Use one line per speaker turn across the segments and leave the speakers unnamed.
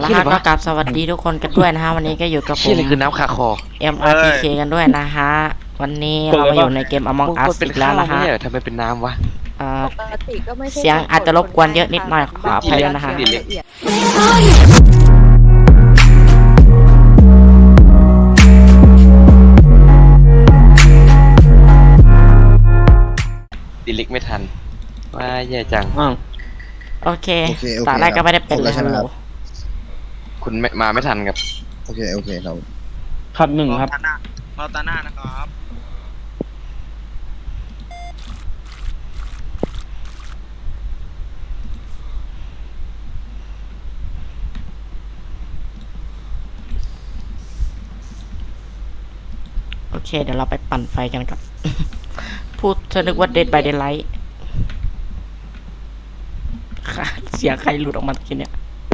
ฮะก็กราบสวัสดีทุกคนกันด้วยนะฮะวันนี้ก็อยู่กับผม
ชื่ออะไรคือน้ำคาคอ
MRTK กันด้วยนะฮะวันนี้เรามาอยู่ในเกม Among
มึง
Us
กดเป็น
อีกแล้ว
ข้าว
นะ
ไม่
ฮะ
ใช่เหรอทำไมเป็นน้ำวะ
ปกติก็ไม่ใช่
เสียงอาจจะรบกวนเยอะนิดหน่อยขออภัยด้วยนะฮะ
ละเอียด
ดิลิกไม่ทันว่าแย่จัง
โอเค
โอเค
ตอนแรกก็ไม่ได้เป็น
ครบแล้วใช่ไหมครับ
คุณไม่มาไม่ทันครับ
โอเคครับ
ครับหนึ่งครับ
เราตาหน้านะครับ
โอเคเดี๋ยวเราไปปั่นไฟกันกับ พูดจะนึกว่า Dead by Daylight ค่ะเสียงใครหลุดออกมาทีเนี้ย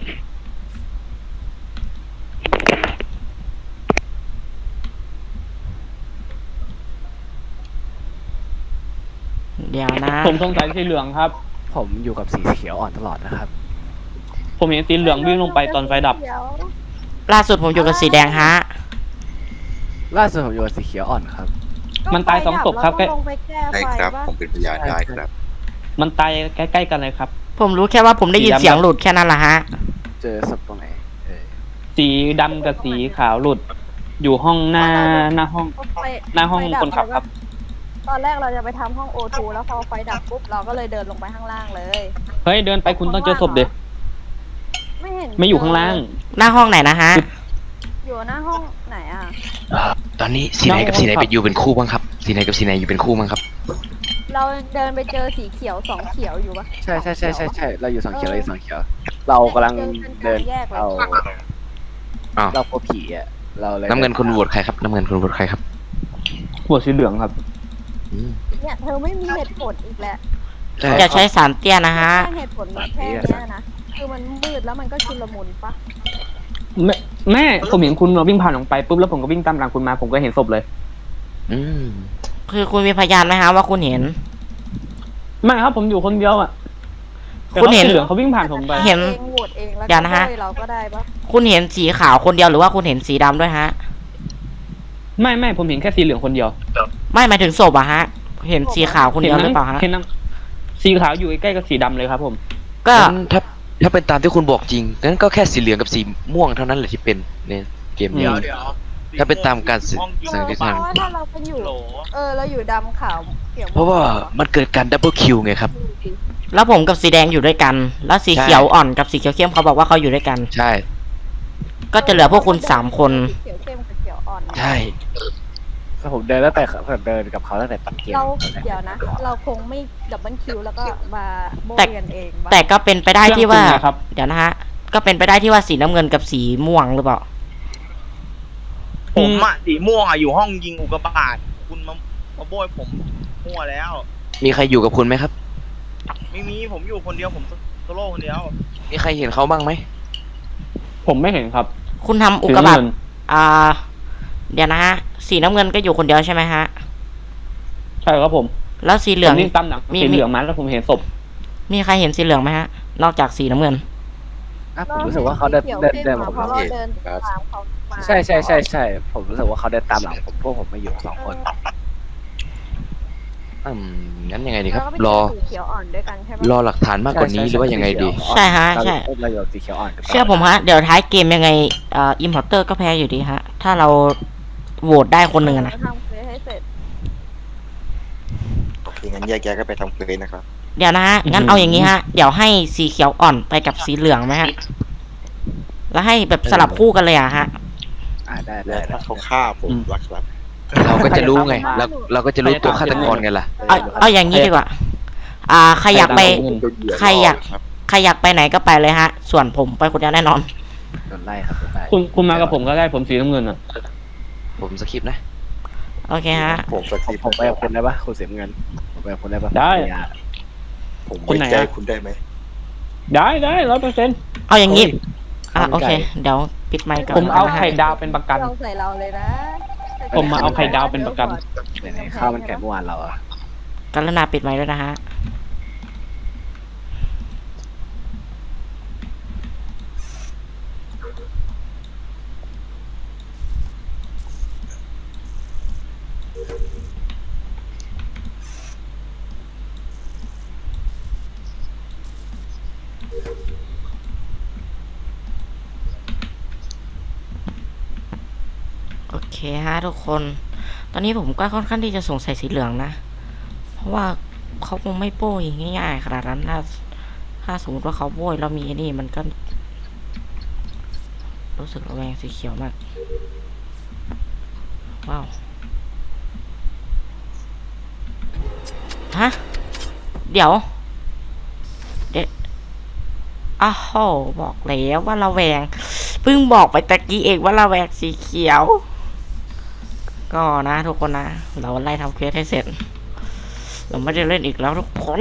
เดี๋ยวนะ
ผมสงสัยสีเหลืองครับ
ผมอยู่กับสีเขียวอ่อนตลอดนะครับ
ผมเห็นสีเหลืองวิ่งลงไปตอนไฟดับ
ล่าสุดผมอยู่กับสีแดงฮะ
ล่าสุดผมอยู่กับสีเขียวอ่อนครับ
มันตาย2ศพครับ
ก็ลงไปแก้
ได้
ไฟ
ครับ
ปะ
ผมเป็นพยานได้ครับ
มันตายใกล้ๆกันเลยครับ
ผมรู้แค่ว่าผมได้ยินเสียงหลุดแค่นั้นแหละฮะ
เจอศพตรงไหนเออ
สีดำกับสีขาวหลุด อยู่ห้องหน้าห้อง
ก็ไฟ
หน้าห้อง
ไฟดั
คนขับครับ
ตอนแรกเราจะไปทำห้อง O2 แล้วพอไฟดับปุ๊บเราก็เลยเดินลงไปข้างล่างเลย
เฮ้ยเดินไปคุณต้องเจอศพเด็
ไม่เห็น
ไม่อยู่ข้างล่าง
หน้าห้องไหนนะฮะ
อยู่หน้าห้องไหนอ่ะ
ตอนนี้สีไหนกับสีไหนไปอยู่เป็นคู่บ้างครับสีไหนกับสีไหนอยู่เป็นคู่บ้างครับ
เราเดินไปเจอสีเขียวสองเขียวอยู่ปะ
ใช่เราอยู่สองเขียวเราอยู่สองเขียว เรากำลังเดินเอา
อ้าว
เราพบผีอ่ะเราเลย
น้ำเงินคุณโหวตใครครับน้ำเงินคุณโหวตใครครับ
หัวสีเหลืองครับ
อืม
เนี่ยเธอไม่มีเหตุผลอีกแล้ว
ใช่
อย่าใช้สารเตี้ยนะฮะ
แค่เหตุผลมันแค่เนี้ยนะคือมันมืดแล้วมันก็ชุลมุนปะ
แม่ผมเห็นคุณวิ่งผ่านออกไปปุ๊บแล้วผมก็วิ่งตามหลังคุณมาผมก็เห็นศพเลย
อืม
คือคุณมีพยานไหมฮะว่าคุณเห็น
ไม่ครับผมอยู่คนเดียวอ่ะแต่
คุณเห็น
สีเหลืองเขาวิ่งผ่านผมไป
เห็น
เองโหวตเองแล้ว
เดี๋ยวนะฮะ
ก็เราก็ได้ปะ
คุณเห็นสีขาวคนเดียวหรือว่าคุณเห็นสีดำด้วยฮะ
ไม่ผมเห็นแค่สีเหลืองคนเดียว
ไม่หมายถึงศพอะฮะ เห็นสีขาวคนเดียวหรือเปล่าฮะ
เห็นนั่งสีขาวอยู่ใกล้ๆกับสีดำเลยครับผม
ก็
งั้นถ้าเป็นตามที่คุณบอกจริงงั้นก็แค่สีเหลืองกับสีม่วงเท่านั้นแหละที่เป็นในเกมนี้
เดี๋ยว
ถ้าเป็นตามการสื่อ
ห้องยิง
สังเกต
เพราะว่าถ้าเราเป็นอยู่
โหล
เราอยู่ดำขาวเขียว
เพราะว่ามันเกิดการดับเบิลคิวไงครับ
แล้วผมกับสีแดงอยู่ด้วยกัน แล้วสี
ใช่
เขียวอ่อนกับสีเขียวเข้มเขาบอกว่าเขาอยู่ด้วยกัน
ใช่
ก็จะเหลือพวกคุณ3 คน
เขียวเข้มกับเขียวอ่อน
ใช่
ผมเดินตั้งแต่ผมเดินกับเขาตั้งแต่ต้นเกม
เราเดี๋ยวนะ เราคงไม่ดับเบิลคิวแล้วก็มาโบยกันเองปะ
แต่ก็เป็นไปได้ที่ว่า
เรื่องจริงนะครับ
เดี๋ยวนะฮะ ก็เป็นไปได้ที่ว่าสีน้ำเงินกับสีม่วงหรือเปล่า
ผมอะสีม่วงอะอยู่ห้องยิงอุกกาบาตคุณมาโบยผมมั่วแล้ว
มีใครอยู่กับคุณไหมครับ
ไม่มีผมอยู่คนเดียวผมโซโล่คนเดียว
มีใครเห็นเขาบ้างไหม
ผมไม่เห็นครับ
คุณทำอุกกาบาตเดี๋ยวนะฮะ สีน้ำเงินก็อยู่คนเดียวใช่ไหมฮะ
ใช่ครับผม
แล้วสีเหลือง
ผมวิ่งตามหลัง
มี
สีเหลืองมาแล้วผมเห็นศพ
มีใครเห็นสีเหลืองไหมฮะ นอกจากสีน้ำเงิน
อ่ะผมรู้สึกว่าเขาเดิน
ขียว
เดิน
ข้ม
เดิน
มา
ผม
เพราะเราเดินตามเขามา
ใช่ผมรู้สึกว่าเขาเดินตามหลังผมพวกผมไม่อยู่สองคน
งั้นยังไงดีครับ
แล้วก็ไป
รอ
เจสีเขียวอ่อนด้วยกันใช่ปะ
รอหลักฐานมากกว่านี้หรือว่ายังไงดี
ใช่ฮะ
เรา
ใช่
เราอยู่กับสีเขียวอ่อนกัน
เชื่อผมฮะ เดี๋ยวท้ายเกมยังไงอิมพอร์เตอร์ก็แพ้อยู่ดีฮะ ถ้าเราโหวตได้คนหนึ่งอะนะ
ทำเควสให้เสร็จ
โอเคงั้นแยกย้ายกันไปทำเควสนะครับ
เดี๋ยวนะฮะ งั้นเอาอย่างนี้ฮะ เดี๋ยวให้สีเขียวอ่อนไปกับสีเหลืองไหมฮะ แล้วให้แบบสลับคู่กันเลยอะฮะ
ได้
และถ้าเขาฆ่าผมรักครับ
เราก็จะรู้ไงเราก็จะรู้ตัวฆาตกรไงล่ะ
เอาอย่างนี้ดีกว่า ใครอยากไป ใครอยาก ใครอยากไปไหนก็ไปเลยฮะ ส่วนผมไปคนเดียวแน่นอน
โดนไล่ครับโดนไล่
คุณมากับผมก็ได้ผมสีน้ำเงินอ่ะ
ผมสคริปต์นะ
โอเคฮะ
ผมสักที
ผมไปกับคุณได้ปะคุณเสียเงินผมไปกับคุณได้ปะ
ได้
ผม
คน
ไว้
ไหน
ใจ
อะ
คุณได้ไหม
ได้100%
เอาอย่างนี้ โอเค เดี๋ยวปิดไมค์ก่อน
ผมเอา
นะฮะ
ไข่ดาวเป็นประกัน
เราใส่เราเลยนะ
ผมมาเอาไข่ดาวเป็นประกัน
ไหนๆข้าวมันไก่เมื่อวานเราอะ
กรุณาปิดไมค์ด้วยนะฮะ
เ
โอเคฮะทุกคน ตอนนี้ผมก็ค่อนข้างที่จะสงสัยสีเหลืองนะ เพราะว่าเขาคงไม่โป้ยง่ายๆขนาดนั้นถ้าสมมติว่าเขาโป้ยแล้วมีไอ้นี่มันก็ รู้สึกระแวงสีเขียวมาก ว้าว ฮะ เดี๋ยวอ้าวโหบอกแล้วว่าระแวง เพิ่งบอกไปตะกี้เองว่าระแวงสีเขียว ก็นะทุกคนนะ เราไล่ทำเควสให้เสร็จ เราไม่ได้เล่นอีกแล้วทุกคน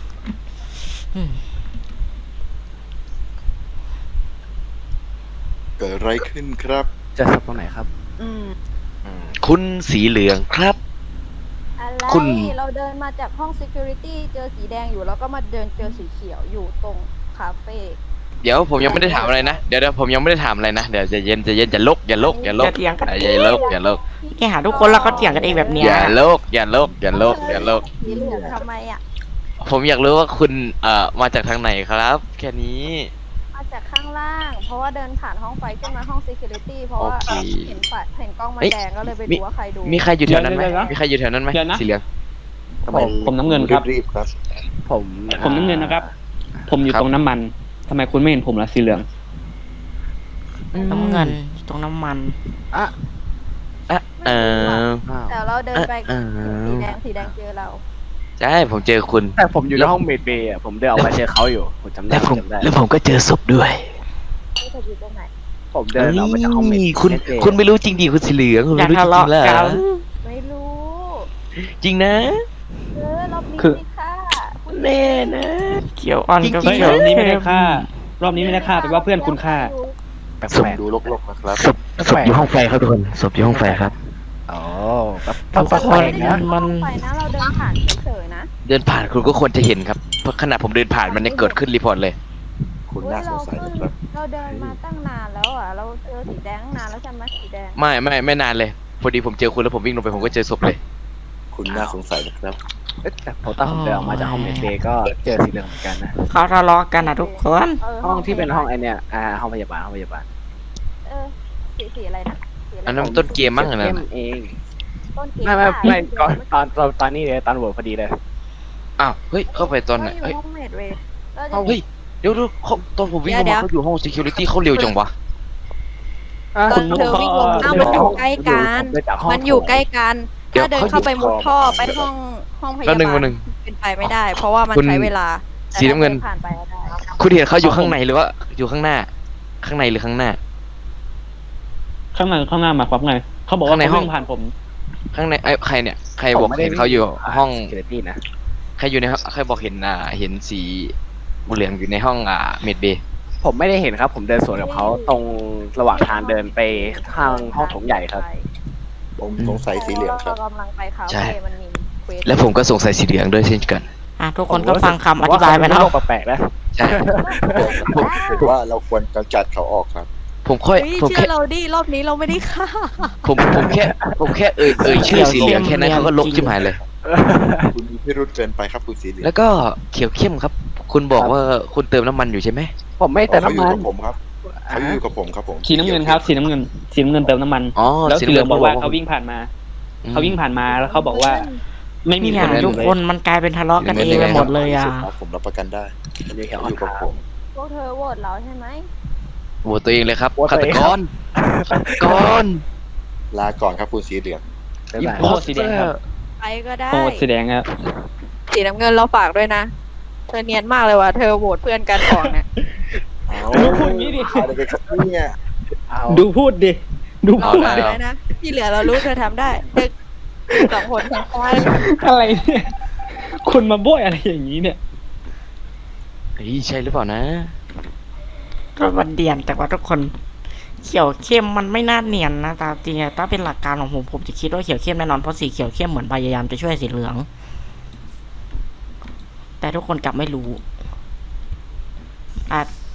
เกิดอะไรขึ้นครับ
เจะศพตรงไหนครับ
คุณสีเหลืองครับ
อะไร
คุณ
เราเดินมาจากห้อง security เจอสีแดงอยู่แล้วก็มาเดินเจอสีเขียวอยู่ตรงคาเฟ่
เดี๋ยวผมยังไม่ได้ถามอะไรนะ เดี๋ยวผมยังไม่ได้ถามอะไรนะ เดี๋ยวจะเย็นอย่าลกอย่าลก
อย่าเถียงกัน
อย่าลก
แกหาทุกคนแล้วก็เถียงกันเองแบบเนี้ย
อย่าลก
สีเหลืองทำไมอ่ะ
ผมอยากรู้ว่าคุณมาจากทางไหนครับ แค่นี้
มาจากข้างล่าง เพราะว่าเดินผ่านห้องไฟขึ้นมาห้อง security เพราะว่า
โอเค
เห็นกล้องมัน
เฮ้ย
แดงก็เลยไปดูว่าใครดู
มีใครอยู่แถวนั้นไหม
เดี๋ยวๆ
มีใครอยู่แถวนั้นไหม
เดี๋ยวนะ
สีเหลือง
ทำไม
ผมน้ำเงินครับ
รีบๆครับ
ผม
ผมน้ำเงินนะครับ ผมอยู่
ครับ
ตรงน้ำมันทำไมคุณไม่เห็นผมล่ะสีเหลือง
น้ำเงินอยู่ตรงน้ำมัน
อ่ะ
เออ
อ้าว
แต่เราเดินไป
เออ
สีแดงเจอเรา
ใช่ผมเจอคุณ
แต่ผมอยู่ในห้องเมดเบย์อ่ะผมเดินออกมาเจอเขาอยู่ผมจำได้ผมจำได้
แล้วผมก็เจอศพด้วย
ที่เธออยู่ตรงไหน
ผมเดินออกมาจากห้องเมด
คุณไม่รู้จริงดิคุณสีเหลืองคุณ
อย่า
ไม่รู้จ
ทะ
ริ
เลาะ
งๆแล้ว
กัน
ไม่รู้
จริงนะ
รอบนี้
คือ
สิค่ะคุณ
แน่นะ
เขียวอ่อนกับ
จริงๆ
เฮ้ย
เขี
ร
ยว
อบนี้ไม่ได้
เข้ม
ฆ่ารอบนี้ไม่ได้ฆ่าแปลว่าเพื่อนคุณฆ่า
แปล
ศพ
ก
ดูลกๆนะครับ
ศพอยู่ห้องไฟครับทุกคนศพอยู่ห้องไฟครับ
ๆอ๋อแบบ
ทุกคน
นะ
มัน
ไปนะเราเดินผ่านเฉยๆนะ
เดินผ่านคุณก็ควรจะเห็นครับเพราะขณะผมเดินผ่านมันยังเกิดขึ้นรีพอร์ตเลย
คุณน่าสงสัยนะครับ
เราเดินมาตั้งนานแล้วอ่ะ เราเจอสีแดงตั้งนานแล้วใช่ไหมสีแดง
ไม่นานเลย พอดีผมเจอคุณแล้วผมวิ่งลงไปผมก็เจอศพเลย
คุณน่าสงสัยนะครับ
เอ๊ะแต่ผมตอนผมเดินออกมาจากห้องเมดเบย์ก็เจอสีเหลืองเหมือนกันนะ
เขาทะเลาะกันนะทุกคน
ห้องที่เป็นห้องไอเนี่ยห้องพยาบาล
เออสีอะไรนะสีอะไร
อันนั้นมันต้นเกมมั้งอันนั้น
เข้ม
น่ะ
เอง
ต้นเก
ไม่ก่อนตอนนี้เลยตอนโหวตพอดีเลย
อ้าวเฮ้ยเข้าไปตอนไหน
อยู่
เฮ้ย
ห้องเมดเวย์
เฮ้ยเดี๋ยวเขาตอนผมวิ่งลง
เดี๋
มา
ยว
เขาอยู่ห้อง security เขาเร็วจังวะ
ตอนเธอวิ่งลงอ้าวมันอยู่ใกล้กัน มันอยู่ใกล้กัน
เดี๋ยว
ถ้าเดินเข้าไปมุดท่อไปห้องพยา
แป๊
บา
บนึง
ล
แป๊บนึง
เป็นไปไม่ได้ เพราะว่ามัน
คุณ
ใช้เวลา
สีน้ำเงิน
แต่ถ้าดิผ่านไปก็ได้
คุณเห็นเขาอยู่ข้างในหรือว่าอยู่ข้างหน้า ข้างในหรือข้างหน้า
ข้างหน้ามาครับไงเขาบอกว่า
ข้างใน
เขา
ห้อง
วิ่งผ่านผม
ข้างในใครเนี่ยใครบอกเห็นเขาอยู่ห้อง
เกรตี้นะ
ใครอยู่ในห้องใครบอกเห็นเห็นสีเหลืองอยู่ในห้องเมดเบย์
ผมไม่ได้เห็นครับ ผมเดินสวนกับเขาตรงระหว่างทางเดินไปทางห้องโถงใหญ่ครับ
ผมสงสัยสีเหลืองครับ
เรากำลังไปคา
ใช่
เฟ่มันมีเควส
และผมก็สงสัยสีเหลืองด้วยเช่นกัน
ทุกคนก็ฟังคำอธิบายไปนะ
โลกแปลกๆนะ
ใช่
ผมว่าเราควรกำจัดเขาออกครับ
ผม
เฮ้ย
แค่
เชื่อเราดิรอบนี้เราไม่ได้ฆ่า
ผมแค่เอ่ยชื่อสีเหลืองแค่นั้นเขาก็ลบชิบหายเลย
คุณมีพิรุธเกินไปครับคุณสีเหลือง
แล้วก็เขียวเข้มครับ คุณบอกว่าคุณเติมน้ำมันอยู่ใช่ไหม
ผมไม่แต่
เขาอยู่
น้ำมัน
กับผมครับเขาอยู่กับผมครับผม
สีน้ำเงินครับสีน้ำเงินเติมน้ำมัน
อ๋อ
แล้วสีเหลืองบอกว่า
สี
เขาวิ่งผ่านมาแล้วเขาบอกว่า ไม่มี
เนี่
ค
ย
นอยู่
ทุก
เลย
คนมันกลายเป็นทะเลาะกันเองไปหมดเลยอ่ะ
ผมรับประกันได้
อยู่แถว
เขา
อ
อยู่กับผม
พวกเธอโหวตเราใช่ไหม
โหวตตัวเองเลยครับ
โหวต
ฆา
ตัว
ต
เอง
ก
ครับ
รฆาตกร
ลาก่อนครับคุณสีเหลือง
บ๊ายบาย
โอ้สีแดงครับ
ไปก็ได้
โอ้สีแดงครับ
สีน้ำเงินเราฝากด้วยนะ เธอเนียนมากเลยว่ะ เธอโหวตเพื่อนกันก่อนเนี่ย
ดูพูดงี้ดิ
อะไรกันครับเนี่ย
เอา
ดูพูดดิดู
เรา
พูด
ฝาก
ดิ
ไว้นะ ที่เหลือเรารู้เธอทำได้เธอสองคนทางซ้าย
อะไรเนี่ยคุณมาโบยอะไรอย่างนี้เนี่ย
เฮ้ยใช่หรือเปล่านะ
ก็มันเดียนแต่ว่าทุกคนเขียวเข้มมันไม่น่าเนียนนะตามจริงอะถ้าเป็นหลักการของผมจะคิดว่าเขียวเข้มแน่นอนเพราะสีเขียวเข้มเหมือนพยายามจะช่วยสีเหลือง แต่ทุกคนกลับไม่รู้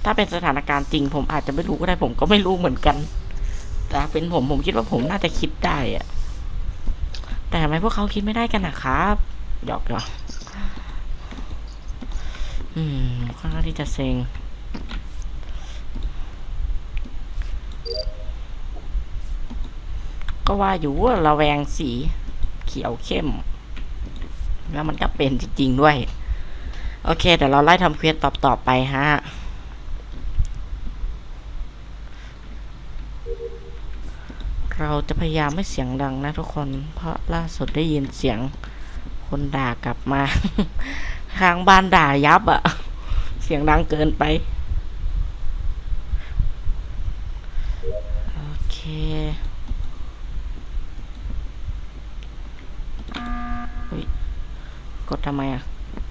ถ้าเป็นสถานการณ์จริง ผมอาจจะไม่รู้ก็ได้ ผมก็ไม่รู้เหมือนกัน แต่เป็นผมคิดว่าผมน่าจะคิดได้อะแต่ทำไมพวกเขาคิดไม่ได้กันนะครับหยอกค่อนข้างที่จะเซ็งก็ว่าอยู่ว่าระแวงสีเขียวเข้ม แล้วมันก็เป็นจริงๆด้วย โอเคเดี๋ยวเราไล่ทำเควสต่อไปฮะ เราจะพยายามไม่เสียงดังนะทุกคน เพราะล่าสุดได้ยินเสียงคนด่ากลับมา ข้างบ้านด่ายับอะเสียงดังเกินไป โอเคอุ๊ยกดทำไมอะ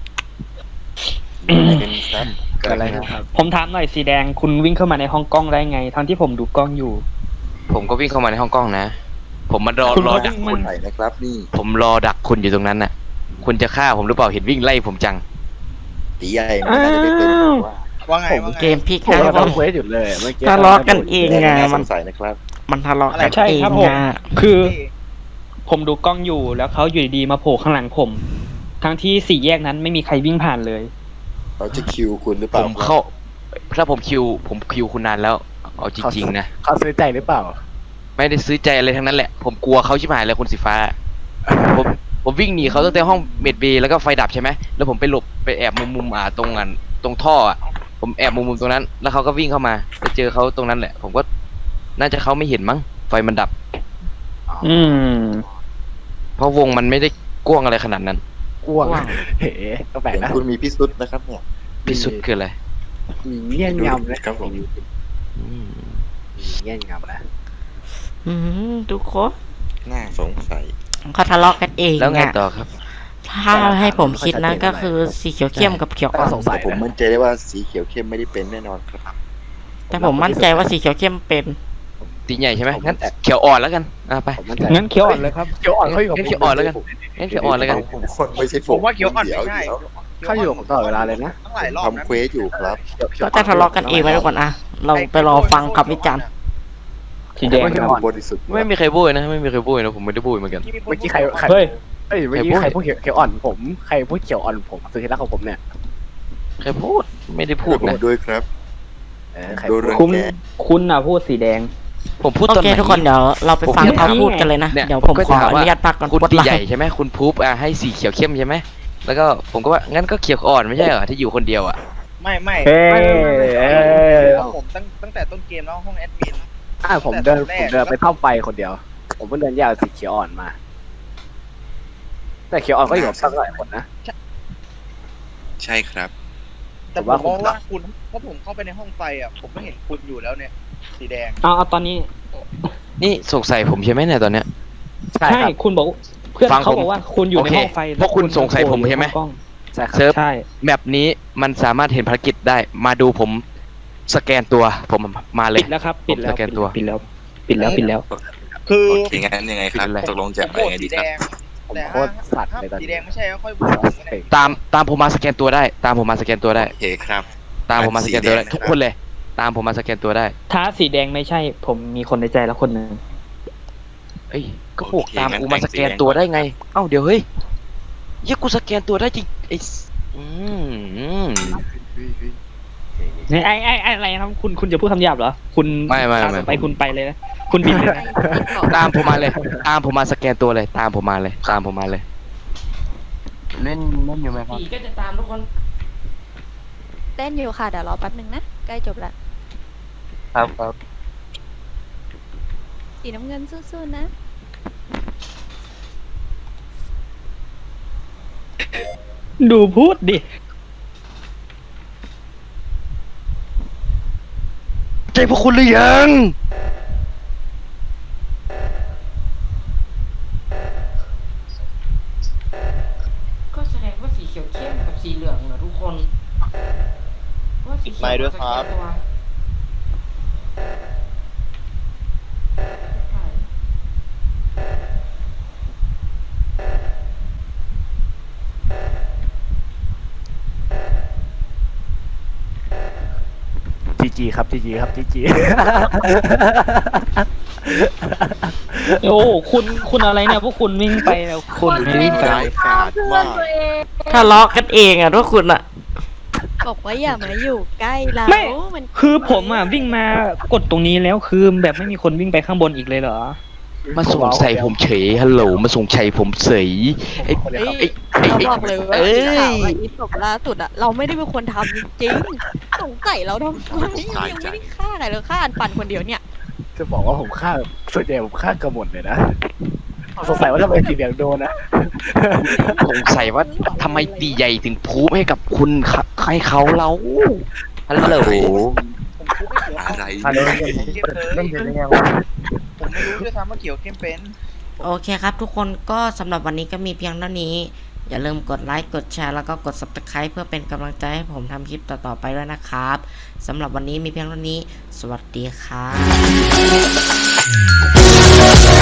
เป็นครับเกิด
อะ
อะไร ไร
ครับ
ผมถามหน่อยสีแดงคุณวิ่งเข้ามาในห้องกล้องได้ไง ทั้งที่ผมดูกล้องอยู่
ผมก็วิ่งเข้ามาในห้องกล้องนะ ผมมารอ
คุณ
รอ
ก็
ดัก
วิ่ง
คุณ
ไหนนะครับนี่
ผมรอดักคุณอยู่ตรงนั้นน่ะ คุณจะฆ่าผมหรือเปล่าเห็นวิ่งไล่ผมจัง
ตีใหญ่มันน่าจะได้เป็นว่า
ว่าไงว่าไง
เกมพลิก
ผม
นะทุ
ก็
กค
ทำเควสอยู่เลยเมื่อกี้
ทะเลาะกันเอง
แด
ไง
น่าส
มัน
งสัยนะครับ
มันทะเลาะกัน
ใช่
เอง
ครับผม
ไง
คือ ผมดูกล้องอยู่แล้วเขาอยู่ดีๆมาโผล่ข้างหลังผม ทั้งที่สี่แยกนั้นไม่มีใครวิ่งผ่านเลย
เขาจะคิวคุณหรือเป
ผ
ล่า
มเข้าถ้าผมคิวคุณนานแล้ว เอาจริงๆนะ
เขาซื้อใจหรือเปล่า
ไม่ได้ซื้อใจอะไรทั้งนั้นแหละ ผมกลัวเขาชิบหายเลยคุณสีฟ้า ผมผมวิ่งหนีเขาตั้งแต่ห้องเมดเบย์แล้วก็ไฟดับใช่ไหมแล้วผมไปหลบไปแอบมุมตรงท่ออ่ะ ผมแอบมุมตรงนั้น แล้วเขาก็วิ่งเข้ามาไปเจอเขาตรงนั้นแหละ ผมก็น่าจะเขาไม่เห็นมั้งไฟมันดับ
อืม
เพราะวงมันไม่ได้กว้างอะไรขนาดนั้น
กวงเฮ้ก็แปลก
เห็น
นะ
คุณมีพิสุทธิ์นะครับเนี่ย
พิสุทธิ์คืออะไร
มีเงี้ยนยำนะครับ
ผม
อืม
มีเงี้ยนยำนะ
ทุกคน
น่าสงสัย
เขาทะเลาะกันเอง
แล้วไง
อะ
ต่อครับ
ถ้าให้ผมคิดนะก็คือสีเขียวเข้มกับเขียวอ่อน
สงสั
แต่
ย
ผม
นะ
มั่นใจได้ว่าสีเขียวเข้มไม่ได้เป็นแน่นอนครับ
แต่ผมมั่นใจว่าสีเขียวเข้มเป็น
ตีใหญ่ใช่ไหมงั้นเขียวอ่อนแล้วกันไป
ผมมั่นใจ
งั้นเขียวอ่อนเลยครับ
เขียวอ่อนเขาอยู่กับ
งั้นเขียวอ่อนแล้วกันงั้นเขียวอ่อนแล้วกัน
ผมคนไม่ใช่
ผมว่าเขียวอ่อน
เดี๋ยว
ไม่ใช่
เดี๋ยว
เขาอยู่กับผมตลอดเวลาเลยนะ
ตั้งหลายรอบนะ
ทำเควสอยู่ครับ
ก็จะทะเลาะกันเองไหมทุกคนอะเราไปรอฟังคำวิจารณ์
สีแดง
เขียว
ค
อ่
รั
อบ น
บริสุทธิ์
ไม่มีใครบุ้ยนะไม่มีใครบุ้ยนะผมไม่ได้บุ้ยเหมือนกัน
เมื่อกี้ใคร
เฮ้ย
เอ้ยเมื่อกี้ใครพูดเขียวอ่อนผมใครพูดเขียวอ่อนผมสุดที่รักของผมเนี่ย
ใครพูดไม่ได้พูด
ผม
นะ
ด้วยครับ
ใคร
ดู
พูด
เรื่อง
คุณ
แก
คุณน่ะพูดสีแดง
ผมพูด
โอ
ตอน
เค
ไหน
ทุกคนเดี๋ยวเราไปฟัง
ผม
เขาพูดกันเลยนะ
เนี่ย
เดี๋ยวผม
ก็
ขอ
ถาม
อ
ว่า
นุญาตพักก่อน
คุณ
กด
ตี
ไล
ใหญ่
ค์
ใช่ไหมคุณพูบให้สีเขียวเข้มใช่ไหมแล้วก็ผมก็ว่างั้นก็เขียวอ่อนไม่ใช่เหรอที่อยู่คนเดียวอ่ะ
ไม่
เฮ้ย
ผมตั้งแต่ต้นเกมแล้วห้องแอดมิน
ผมเดินไปเข้าไปคนเดียว ผมเพิ่งเดินยาวสีเขียวอ่อนมา แต่เขียวอ่อนก็อยู่กับตั้งหลายคนนะ
ใช่ครับ
แต่ผมมองว่าคุณเพราะผมเข้าไปในห้องไฟอ่ะผมไม่เห็นคุณอยู่แล้วเนี่ย สีแดง
เอาตอนนี้
นี่สงสัยผมใช่ไหมเนี่ยตอนเนี้ย
ใช่
ใช่
ครับ
คุณบอกเพื่อน
ฟัง
เขา
ผม
บอกว่าคุณอยู่ใน
โอเค
ห้องไฟ
เพราะคุณสงสัยผมใช่ไหม
กล้อง
ใช่ครับ
เซิร์ฟ
ใช่
แมปนี้มันสามารถเห็นภารกิจได้มาดูผมสแกนตัวผมมาเลย
ปิดแล้วครับปิดแล้ว
ผมสแกนตัว
ปิดแล้วปิดแล้วปิดแล้ว
คือ
โอเคงั้นยังไงครับ
เป็นไร
ตกลงจะ
ผม
ไป
โหวต
ไง
สี
ดี
แด
ครับ
ง
ผม
แต่
โคตรสัตว์
ถ้า
เลยตอน
สี
นี้
แดงไม่ใช่ก็ค่อยโหวตผมก็ได้
ตามผมมาสแกนตัวได้ ตามผมมาสแกนตัวได้
โอเคครับ
ตามผมมาสแกนตัวได้
สีแดงนะครับ
ทุกคนเลย ตามผมมาสแกนตัวได้
ถ้าสีแดงไม่ใช่ ผมมีคนในใจแล้วคนหนึ่ง
เอ้ยก็พวกตามกูมาสแกนตัวได้ไง เอ้าเดี๋ยวเฮ้ยเหี้ยกูสแกนตัวได้จริงไอ้
ไอ้อะไรนะครับคุณจะพูดคำหยาบเหรอคุณ
ไม่
ไปคุณไปเลยนะคุณบินเลยนะ
ตามผมมาเลย ตามผมมาสแกนตัวเลย ตามผมมาเลย ตามผมมาเลย
เล่นอยู่ไหมครับ
ผีก็จะตามทุกคน
เต้นอยู่ค่ะเดี๋ยวรอแป๊บนึงนะ ใกล้จบละ
ครับ
สีน้ำเงินสู้ๆนะ
ดูพูดดิ
ใจพวกคุณหรือยัง
ก็แสดงว่าสีเขียวเข้มกับสีเหลืองนะทุกคนว่าสีเขี
ไม่ด้วยครับ
สแกนตัว
จีครับจีจีครับจีจี
โอ้คุณอะไรเนี่ยพวกคุณวิ่งไปแล้วคุณวิ่งไป
ร้ายกาจมาก
ทะเลาะกันเองอ่ะทุกคนอ่ะ
บอกว่าอย่ามาอยู่ใกล้เรา
ไม่
มัน
คือผมอ่ะวิ่งมากดตรงนี้แล้วคือแบบไม่มีคนวิ่งไปข้างบนอีกเลยเหรอ
มาสงสัยผมเฉยฮัลโหลมาสงสัยผมเฉยไอ้
เอ้ย
ไอ้
เรา
ไอ้
บอกเลยว่า
เอ้ย
ข่าวอะอีศพล่าสุดอะเราไม่ได้เป็นคนทำจริงๆสงสัยเราทำไมยังไม่ได้ฆ่าใครเลยฆ่าอันปันคนเดียวเนี่ย
จะบอกว่าผมฆ่าส่วนใหญ่ผมฆ่ากระหมดเลยนะสงสัยว่าทำไมสีแดงโดนนะ
สงสัยว่าทำไมตีใหญ่ถึงพูดให้กับคุณให้เขาเราฮัลโหล
ผมพูดไม่เกี่ยว
อะไร
เล่นยังไงผมไม่รู้ด้วยซ้ำว่าเกี่ยวเข้มเป็น
โอเคครับทุกคนก็สำหรับวันนี้ก็มีเพียงเท่านี้ อย่าลืมกดไลค์กดแชร์แล้วก็กด subscribe เพื่อเป็นกำลังใจให้ผมทำคลิปต่อๆไปด้วยนะครับสำหรับวันนี้มีเพียงเท่านี้ สวัสดีครับ